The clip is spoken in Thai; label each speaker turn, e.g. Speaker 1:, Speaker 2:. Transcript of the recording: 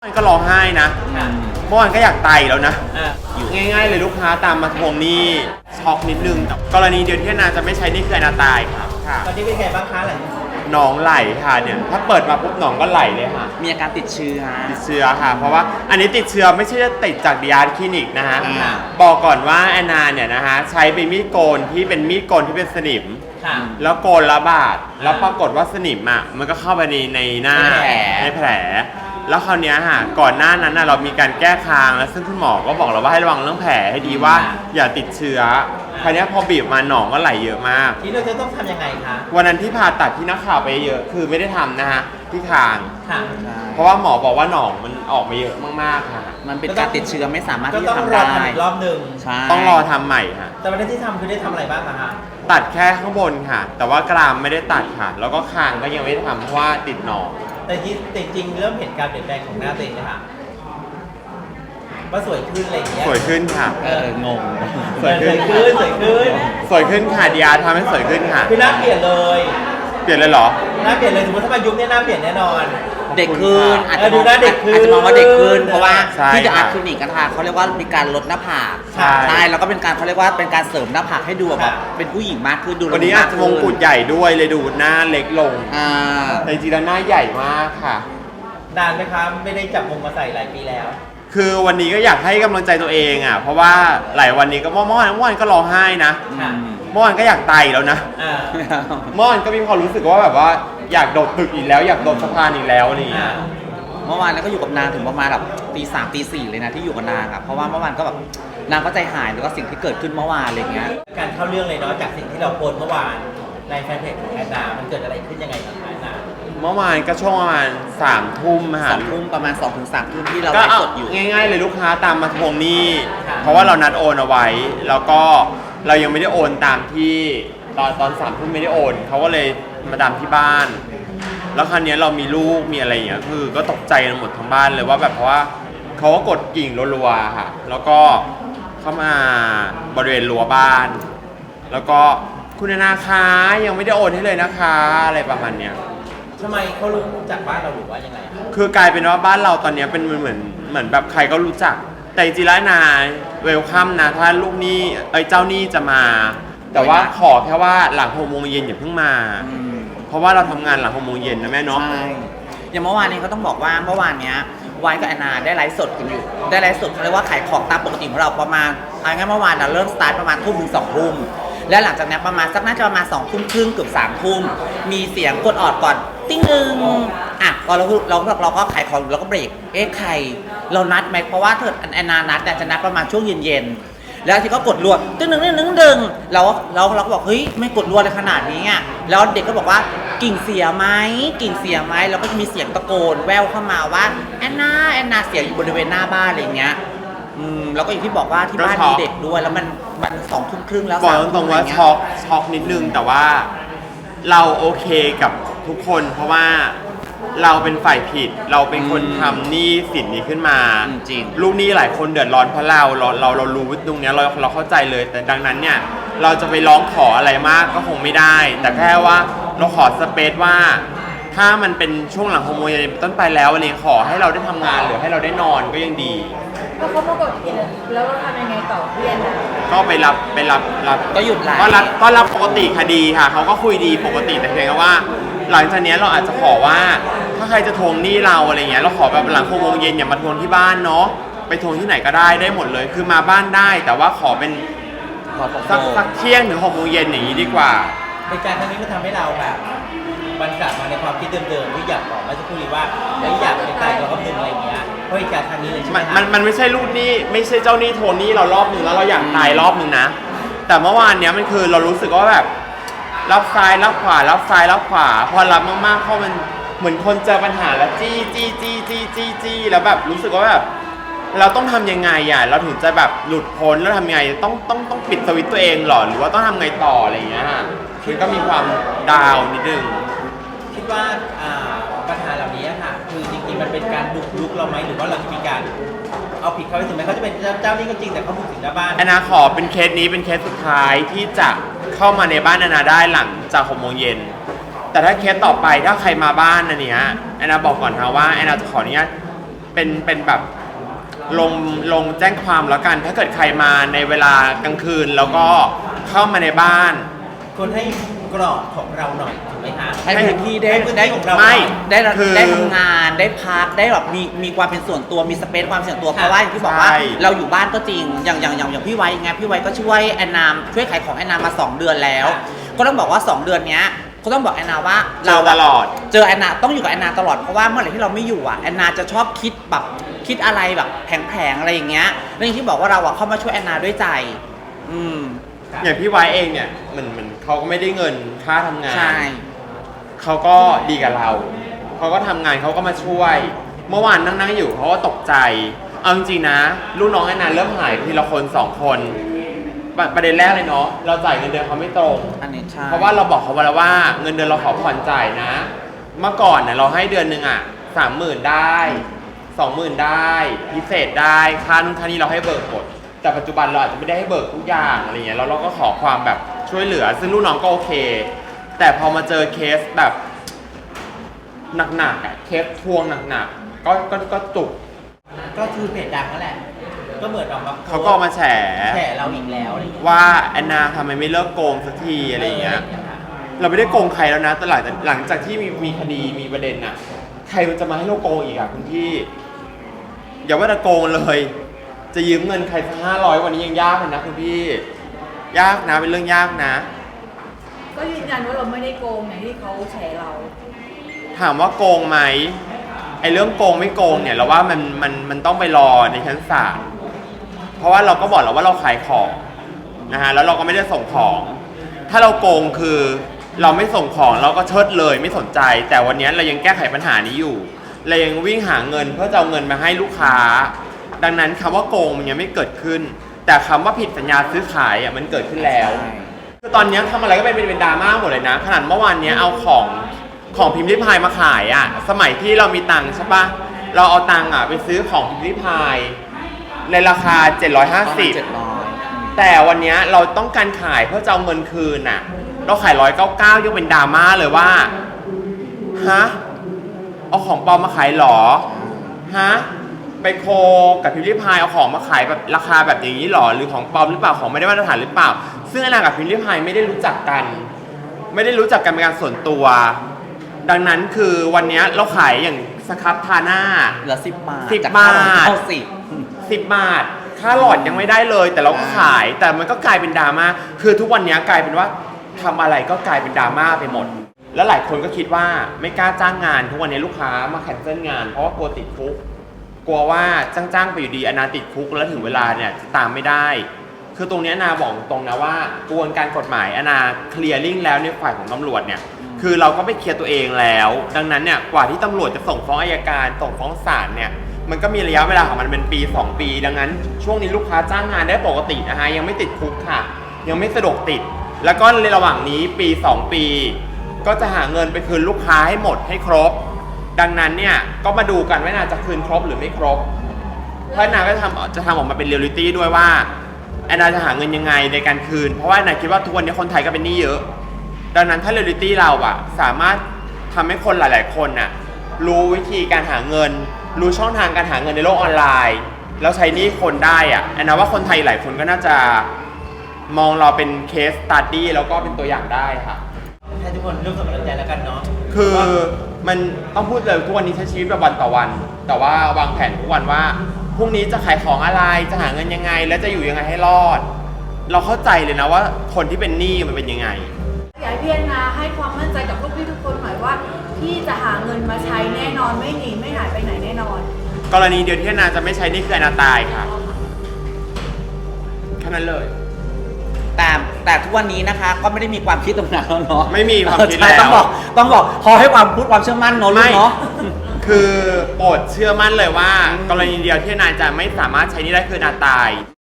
Speaker 1: มันก็ร้องไห้นะเมื่อวานก็อยากตายแล้วนะง่ายๆเลยลูกค้าตามมาทวงหนี้ช็อกนิดนึงแต่กรณีเดียวที่นาจะไม่ใช้นี่คือนาตายครับค่ะ
Speaker 2: ตอนนี้เป็นไงบ้างคะหลัง
Speaker 1: หนองไหลค่ะเนี่ยถ้าเปิดมาปุ๊บหนองก็ไหลเลยค่ะ
Speaker 3: มีอาการติดเชื้อ
Speaker 1: ค่ะ เพราะว่าอันนี้ติดเชื้อไม่ใช่จะติดจากดิอาร์คลินิกนะฮะบอกก่อนว่าแอนนาเนี่ยนะฮะใช้เป็นมีดโกนที่เป็นมีดโกนที่เป็นสนิมแล้วโกนละบาดแล้วปรากฏว่าสนิมอ่ะมันก็เข้าไปในหน้าในแผลแล้วคราวนี้ค่ะก่อนหน้านั้นเรามีการแก้คางแล้วซึ่งคุณหมอก็บอกเราว่าให้ระวังเรื่องแผลให้ดีว่าอย่าติดเชื้อคราวนี้พอบีบมาหนองก็ไหลเยอะมาก
Speaker 2: ทีนี้เราจะต้องทำยังไงคะ
Speaker 1: วันนั้นที่ผ่าตัดที่นักข่าวไปเยอะคือไม่ได้ทำนะฮะที่คางเพราะว่าหมอบอกว่าหนองมันออกมาเยอะมากๆค่ะ
Speaker 3: มันเป็นการติดเชื้อไม่สามารถที่
Speaker 2: จะทำได้อีกรอบหนึ่ง
Speaker 1: ต้องรอทำใหม่ค่ะ
Speaker 2: แต่วันที่ทำคือได้ทำอะไรบ้างคะ
Speaker 1: ตัดแค่ข้างบนค่ะ แต่ว่ากรามไม่ได้ตัดค่ะแล้วก็คางก็ยังไม่ได้ทำเพราะว่าติดหนอง
Speaker 2: แต่จริงเริ่มเห็นการเปลี่ยนแปลงของหน้าตัวเองนะคะว่าสวยขึ้นอะไรอย่างเงี้ย
Speaker 1: สวยขึ้นค่ะ
Speaker 3: งง
Speaker 2: สวยขึ้น
Speaker 1: สวยขึ้นค่ะดีอาร์ทำให้สวยขึ้นค่ะ
Speaker 2: คือหน้าเปลี่ยนเลย
Speaker 1: เหรอ
Speaker 2: หน้าเปลี่ยนเลยสมมติถ้ามายุคนี้หน้าเปลี่ยนแน่นอน
Speaker 3: เด็กขึ้นอาจจะมองว่าเด็กขึ้นเพราะว่าที่จะอาร์คลินิกกันค่ะเขาเรียกว่ามีการลดหน้าผากใช่แล้วก็เป็นการเขาเรียกว่าเป็นการเสริมหน้าผากให้ดูแบบเป็นผู้หญิงมากขึ้นดู
Speaker 1: วันนี้อาจจะมงกุฎใหญ่ด้วยเลยดูหน้าเล็กลงแต่จริงๆแล้วหน้าใหญ่มากค่ะ
Speaker 2: นานไหมคะไม่ได้จับมงมาใส่หลายปีแล้ว
Speaker 1: คือวันนี้ก็อยากให้กำลังใจตัวเองอ่ะเพราะว่าหลายวันนี้ก็เมื่อวานก็ร้องไห้นะเมื่อวานก็อยากตายแล้วนะเมื่อวานก็มีความรู้สึกว่าแบบว่าอยากโดดตึกอีกแล้วอยากโดดสะพานอีกแล้วนี่
Speaker 3: เมื่อวานแล้วก็อยู่กับนางถึงประมาณแบบตีสามตีสี่เลยนะที่อยู่กับนางครับเพราะว่าเมื่อวานก็แบบนางก็ใจหายแล้วก็สิ่งที่เกิดขึ้นเมื่อวานอะไรเงี้ย
Speaker 2: การเข้าเรื่องเลยเนาะจากสิ่งที่เราโพสเมื่อวานในแฟนเพจของแอนนามันเกิดอะไรขึ้นยังไงกับแอนนา
Speaker 1: เมื่อวานก็ช่วงประมาณ3 ทุ่มค่ะ
Speaker 3: 2 ทุ่มประมาณ2 ถึง 3 ทุ่มที่เราไลฟ์สดอยู่
Speaker 1: ง่ายๆเลยลูกค้าตามมาทวงหนี้เพราะว่าเรานัดโอนเอาไว้แล้วก็เรายังไม่ได้โอนตามที่ตอน3 ทุ่มไม่ได้โอนเขาก็เลยมาตามที่บ้านแล้วคราวนี้เรามีลูกมีอะไรอย่างเงี้ยคือก็ตกใจกันหมดทั้งบ้านเลยว่าแบบเพราะว่าเขาก็กดกิ่งรัวๆค่ะแล้วก็เข้ามาบริเวณรั้วบ้านแล้วก็คุณธนาคารยังไม่ได้โอนให้เลยนะคะอะไรประมาณเนี้ย
Speaker 2: ทำไมเขารู้จากบ้านเราหรือว่ายังไง
Speaker 1: คือกลายเป็นว่าบ้านเราตอนนี้เป็นเหมือนแบบใครก็รู้จักแต่จริงๆแล้วนาเวลคัมนะถ้าลูกหนี้เจ้าหนี้จะมาแต่ว่าขอแค่ว่าหลัง6 โมงเย็นอย่าเพิ่งมาเพราะว่าเราทำงานหลัง6 โมงเย็นนะแม่เนาะ
Speaker 3: ใช่อย่างเมื่อวานนี้เขาต้องบอกว่าเมื่อวานเนี้ยวายกับแอนนาได้ไลฟ์สดกันอยู่ได้ไลฟ์สดเขาเรียกว่าขายของตามปกติของเราประมาณงั้นเมื่อวานเราเริ่มสตาร์ทประมาณทุ่มถึง2 ทุ่มแล้วหลังจากนั้นประมาณน่าจะประมาณ2 ทุ่มครึ่งเกือบ3 ทุ่มมีเสียงกดออดก่อนติ้งนึงพอเราก็ขายของเราก็เบรกใครเรานัดไหมเพราะว่าเธอแอนนานัดจะนัดประมาณช่วงเย็นแล้วที่ก็กดรัวตึ้งดึงเราก็บอกเฮ้ยไม่กดรัวเลยขนาดนี้อ่ะแล้วเด็กก็บอกว่ากิ่งเสียไหมแล้วก็จะมีเสียงตะโกนแว่วเข้ามาว่าแอนนาเสียอยู่บริเวณหน้าบ้านอะไรอย่างเงี้ยแล้วก็อย่างที่บอกว่าที่บ้านมีเด็กด้วยแล้วมัน2 ทุ่มครึ่งแล้ว
Speaker 1: บอกตรงๆว่าช็อกนิดนึงแต่ว่าเราโอเคกับทุกคนเพราะว่าเราเป็นฝ่ายผิดเราเป็นคนทำหนี้สินนี้ขึ้นมา
Speaker 3: จริง
Speaker 1: ลูกหนี้หลายคนเดือดร้อนเพราะเรารู้ตรงนี้เราเข้าใจเลยแต่ดังนั้นเนี่ยเราจะไปร้องขออะไรมากก็คงไม่ได้แต่แค่ว่าเราขอสเปซว่าถ้ามันเป็นช่วงหลัง6 โมงเย็นต้นไปแล้ววันนี้ขอให้เราได้ทำงานหรือให้เราได้นอนก็ยังดี
Speaker 4: พอเขามากดกินแล้วเราทำยังไงต่อเพื่อน
Speaker 1: ก็ไปรับ
Speaker 3: ก็หยุดไลฟ์
Speaker 1: ก็รับปกติคดีค่ะเขาก็คุยดีปกติแต่เพียงแค่ว่าหลังจากนี้เราอาจจะขอว่าถ้าใครจะทวงหนี้เราอะไรเงี้ยเราขอแบบหลัง6 โมงเย็นอย่ามาทวงที่บ้านเนาะไปทวงที่ไหนก็ได้หมดเลยคือมาบ้านได้แต่ว่าขอเป็นสักเที่ยงถึง6 โมงเย็นอย่างนี้ดีกว่า
Speaker 2: ในการครั้งนี้มันทำให้เราแบบมันกลับมาในความคิดเดิมๆที่อยากบอกเมื่อสักครู่นี้ว่าอยากไปตายกับรอบหนึ่งอะไรเงี้ยเพราะเหตุการณ์ครั้งนี้เลยใช่ไหม
Speaker 1: มันไม่ใช่ลูกหนี้ไม่ใช่เจ้าหนี้ทวงหนี้เรารอบนึงแล้วเราอยากตายรอบนึงนะแต่เมื่อวานเนี้ยมันคือเรารู้สึกว่าแบบรับซ้ายรับขวารับซ้ายรับขวาพอรับมากๆเพราะมันเหมือนคนเจอปัญหาแล้วจี้แล้วแบบรู้สึกว่าแบบเราต้องทำยังไงอ่ะเราถึงจะแบบหลุดพ้นแล้วทำยังไงต้องปิดสวิตช์ตัวเองหรอหรือว่าต้องทำไงต่ออะไรอย่างเงี้ยคือก็มีความดาวนิดนึง
Speaker 2: คิดว่าปัญหาเหล่านี้ค่ะคือจริงๆมันเป็นการบุกรุกเราไหมหรือว่าเราจะมีการเอาผิดเขาไปถึงไหมเขาจะเป็นเจ้าหนี้ก็จริงแต่เขาบุกถึงหน้าบ้าน
Speaker 1: แอนนาขอเป็นเคสนี้เป็นเคสสุดท้ายที่จะเข้ามาในบ้านแอนนาได้หลังจาก6 โมงเย็นแต่ถ้าเคสต่อไปถ้าใครมาบ้านอันเนี้ยแอนนาบอกก่อนนะว่าแอนนาจะขออนุญาตเป็นแบบลงแจ้งความแล้วกัน ถ้าเกิดใครมาในเวลากลางคืนแล้วก็เข้ามาในบ้าน
Speaker 2: คนให้กรอบของเราหน่อยถูกไหมคะ
Speaker 3: ให้พื้นที่ได้
Speaker 2: ให้พื้นที่ของเรา
Speaker 1: ไม่
Speaker 3: ได้
Speaker 1: คือ
Speaker 3: ได้ทำงานได้พักได้แบบมีความเป็นส่วนตัวมีสเปซความส่วนตัว
Speaker 2: ค่ะ
Speaker 3: เพราะว่าอย่างที่บอกว่า
Speaker 1: ใช่
Speaker 3: เราอยู่บ้านก็จริงอย่างพี่ไว้ไงพี่ไว้ก็ช่วยแอนนาช่วยขายของแอนนามา 2 เดือนแล้ว ก็ต้องบอกว่า 2 เดือนเนี้ยก็ต้องบอกแอนนาว่า
Speaker 1: เจอตลอด
Speaker 3: เจอแอนนาต้องอยู่กับแอนนาตลอดเพราะว่าเมื่อไหร่ที่เราไม่อยู่อ่ะแอนนาจะชอบคิดแบบคิดอะไรแบบแผลงๆอะไรอย่างเงี้ยแล้วอย่างที่บอกว่าเราอ่ะเข้ามาช่วยแอนนาด้วยใจ
Speaker 1: อย่างพี่ไว้เองเนี่ยเหมือนเขาก็ไม่ได้เงินค่าทำงาน
Speaker 3: ใช่
Speaker 1: เขาก็ดีกับเรา เขาก็ทำงานเขาก็มาช่วย เมื่อวานนั่งอยู่เขาก็ตกใจ เอาจริงๆนะ ลูกน้องแอนนาเริ่มหายทีละคน2 คนประเด็นแรกเลยเนาะ เราจ่ายเงินเดือนเขาไม่ตรง
Speaker 3: อันนี้ใช่
Speaker 1: เพราะว่าเราบอกเขาไว้แล้วว่าเงินเดือนเราขอผ่อนจ่ายนะ เมื่อก่อนเนี่ยเราให้เดือนหนึ่งอ่ะ30,000ได้20,000ได้พิเศษได้ค่านู่นค่านี้เราให้เบิกหมดแต่ปัจจุบันเราอาจจะไม่ได้ให้เบิกทุกอย่างอะไรเงี้ยแล้วเราก็ขอความแบบช่วยเหลือ ซึ่งลูกน้องก็โอเค แต่พอมาเจอเคสแบบหนักๆอ่ะเคสทวงหนักๆก็จุก
Speaker 2: ก็คือเพจดังนั่นแหละ ก็เหมือนออกมา
Speaker 1: เขาก็ออกมาแฉ
Speaker 2: เราอีกแล้วอะไรอย่างเงี้ย
Speaker 1: ว่าแอนนาทำไมไม่เลิกโกงสักทีอะไรอย่างเงี้ย เราไม่ได้โกงใครแล้วนะแต่หลังจากที่มีคดีมีประเด็นน่ะ ใครมันจะมาให้เราโกงอีกอ่ะคุณพี่ อย่าว่าแต่โกงเลย จะยืมเงินใครสัก500วันนี้ยังยากเลยนะคุณพี่ ยากนะเป็นเรื่องยากนะ
Speaker 4: ก็ยืนยันว่าเราไม่ได้โกงอย่างที่เขาแฉเรา
Speaker 1: ถามว่าโกงไหมไอ้เรื่องโกงไม่โกงเนี่ยเราว่ามันต้องไปรอในชั้นศาลเพราะว่าเราก็บอกแล้วว่าเราขายของนะฮะแล้วเราก็ไม่ได้ส่งของ ถ้าเราโกงคือเราไม่ส่งของเราก็เชิดเลยไม่สนใจ แต่วันนี้เรายังแก้ไขปัญหานี้อยู่เรายังวิ่งหาเงินเพื่อจะเอาเงินมาให้ลูกค้า ดังนั้นคำว่าโกงมันยังไม่เกิดขึ้น แต่คำว่าผิดสัญญาซื้อขายอ่ะมันเกิดขึ้นแล้วคือตอนนี้ทำอะไรก็เป็นดราม่าหมดเลยนะขนาดเมื่อวานนี้เอาของพิมพ์ริพายมาขายอ่ะสมัยที่เรามีตังค์ใช่ปะเราเอาตังค์อ่ะไปซื้อของพิมพ์ริพายในราคา750แต่วันนี้เราต้องการขายเพื่อจะเอาเงินคืนน่ะเราขาย199ยังเป็นดราม่าเลยว่าฮะเอาของปลอมมาขายหรอฮะไปโคกับพิมพ์ริพายเอาของมาขายแบบราคาแบบอย่างนี้หรอหรือของปลอมหรือเปล่าของไม่ได้มาตรฐานหรือเปล่าซึ่งแอนนากับพิมพ์ริพายไม่ได้รู้จักกันเป็นการส่วนตัวดังนั้นคือวันนี้เราขายอย่างสครับทาหน้า
Speaker 3: เหลือ10 บาท
Speaker 1: 10
Speaker 3: จาก
Speaker 1: บาท
Speaker 3: เข้า
Speaker 1: 10 บาทค่าหลอดยังไม่ได้เลยแต่เราก็ขายแต่มันก็กลายเป็นดราม่าคือทุกวันนี้กลายเป็นว่าทำอะไรก็กลายเป็นดราม่าไปหมดแล้วหลายคนก็คิดว่าไม่กล้าจ้างงานทุกวันนี้ลูกค้ามาแคนเซิลงานเพราะว่ากลัวติดคุกกลัวว่าจ้างไปอยู่ดีอนาติดคุกแล้วถึงเวลาเนี่ยจะตามไม่ได้คือตรงนี้อนาบอกตรงนะว่ากระบวนการกฎหมายอนาเคลียร์ลิ่งแล้วในฝ่ายของตำรวจเนี่ยคือเราก็ไปเคลียร์ตัวเองแล้วดังนั้นเนี่ยกว่าที่ตำรวจจะส่งฟ้องอัยการส่งฟ้องศาลเนี่ยมันก็มีระยะเวลาของมันเป็นปี2 ปีดังนั้นช่วงนี้ลูกค้าจ้างงานได้ปกตินะฮะยังไม่ติดคุกค่ะยังไม่สะดวกติดแล้วก็ในระหว่างนี้ปี2 ปีก็จะหาเงินไปคืนลูกค้าให้หมดให้ครบดังนั้นเนี่ยก็มาดูกันว่านาจะคืนครบหรือไม่ครบเพราะนาก็จะทำออกมาเป็นเรียลลิตี้ด้วยว่าแอนนาจะหาเงินยังไงในการคืนเพราะว่าแอนนาคิดว่าทุกวันนี้คนไทยก็เป็นหนี้เยอะดังนั้นถ้าเรียลลิตี้เราอะสามารถทำให้คนหลายๆคนน่ะรู้วิธีการหาเงินรู้ช่องทางการหาเงินในโลกออนไลน์แล้วใช้หนี้คนได้อะแอนนาว่าคนไทยหลายคนก็น่าจะมองเราเป็นเคสสตัดดี้แล้วก็เป็นตัวอย่างได้ค่ะ
Speaker 2: ให้ทุกคนร่วมส่งกำลังใจแล้วกันเนาะ
Speaker 1: คือมันต้องพูดเลยทุกวันนี้ใช้ชีวิตแบบวันต่อวันแต่ว่าวางแผนทุกวันว่าพรุ่งนี้จะขายของอะไรจะหาเงินยังไงและจะอยู่ยังไงให้รอดเราเข้าใจเลยนะว่าคนที่เป็นหนี้มันเป็นยังไง
Speaker 4: อยากให้พี่แอนนาให้ความมั่นใจกับพวกพี่ทุกคนหน่อยว่าพี่จะหาเงินมาใช้แน่นอนไม่หนีไม่หายไปไหนแน่นอน
Speaker 1: กรณีเดียวที่แอนนาจะไม่ใช้นี่คือแอนนาตายค่ะแค่นั้นเลย
Speaker 3: แต่ทุกวันนี้นะคะก็ไม่ได้มีความคิดตรงนั้นแล้วเนาะ
Speaker 1: ไม่มีความคิดแล้ว
Speaker 3: ต้องบอกขอให้ความพูดความเชื่อมั่นเนาะลูกเนาะ
Speaker 1: คือโปรดเชื่อมั่นเลยว่ากรณีเดียวที่แอนนาจะไม่สามารถใช้นี่ได้คือแอนนาตาย